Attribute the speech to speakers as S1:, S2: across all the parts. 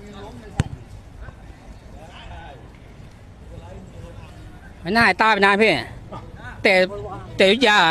S1: ไม่น่าให้ตาไปนานพี่แต่ยุทธยา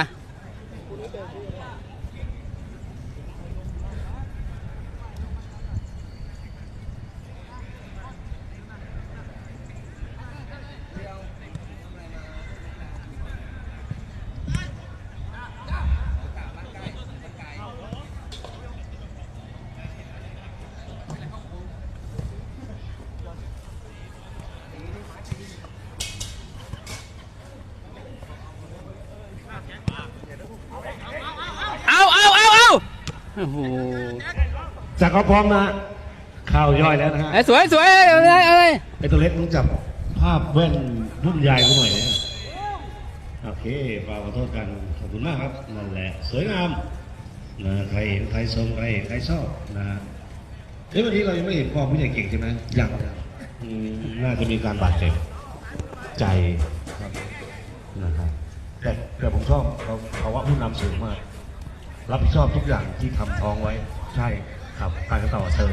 S1: โอ้โห
S2: จากก็พร้อมนะข่าวย่อยแล้วนะฮะ
S1: สวยอะไร
S2: ไอตัวเล็กต้องจับภาพแว่นรุ่นใหญ่กูหน่อยเนี่ยโอเคฝากขอโทษกันขอบคุณมากครับนั่นแหละสวยงามนะใครชมใครชอบนะเฮ้ยวันนี้เรายังไม่เห็นความผู้ใหญ่เก่งใช่ไหมยังน่าจะมีการบาดเจ็บใจครับนะครับแต่ผมชอบเขาว่าผู้นำสูงมากรับผิดชอบทุกอย่างที่ทำท้องไว้ใช่ครับการต่อเชิญ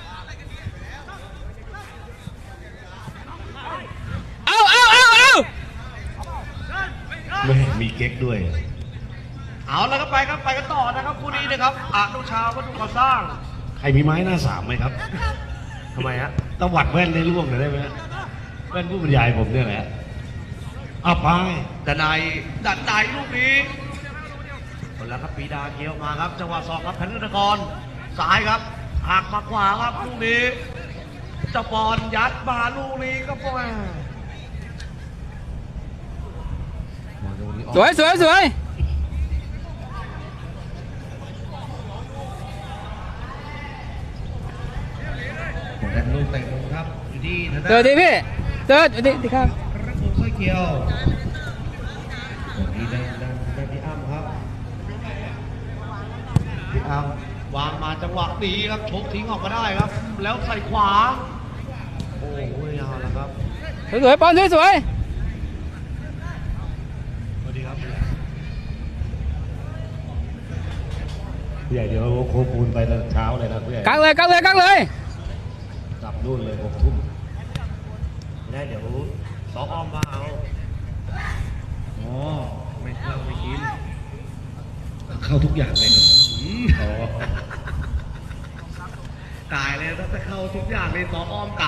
S2: ไม่มีเก๊กด้วย
S3: เอาแล้วก็ไปกันต่อนะครับคู่นี้นะครับอนุชาวัตถุก่อสร้าง
S2: ใครมีไม้หน้าสามไหมครับ
S3: ทำไมฮะ
S2: ตวัดแว่นได้ร่วงหน่อยได้ไหมแว่นผู้บรรยายผมเนี่ยแหละเอาไป
S3: ดันในลูกนี้คนแล้วครับปีดาเคี้ยวมาครับจังหวะสองครับแพนธนกรซ้ายครับหักมาขวาครับลูกนี้เจ้าบอลยัดมาลูกนี้ก็ป่อย
S1: สวย
S3: แต่ลูกเตะลงครับอยู่ที่ทางด้าน
S1: เจอดีพี่เจอดีครับ
S3: ระบบสร้อยเกียวดีดันพี่อ้ำครับพี่อ้ำวางมาจังหวะดีครับชกทิ้งออกมาได้ครับ แล้วใส่ขวาโอ้ยเอาละครับ
S1: สวยปอนสวย
S2: สวัสดีครับผู้ใหญ่เดี๋ยวโคปูนไปตอนเช้าเลยนะผู้ใหญ่
S1: กักเลย
S2: กลับนู่นเลย6 ทุ่ม
S3: ได้เดี๋ยวสองอ้อมมาเอาอ๋อไม่เข้าไม่กิน
S2: เข้าทุกอย่างเลย
S3: ตายเลยถ้าจะเข้าทุกอย่างเลยสองอ้อม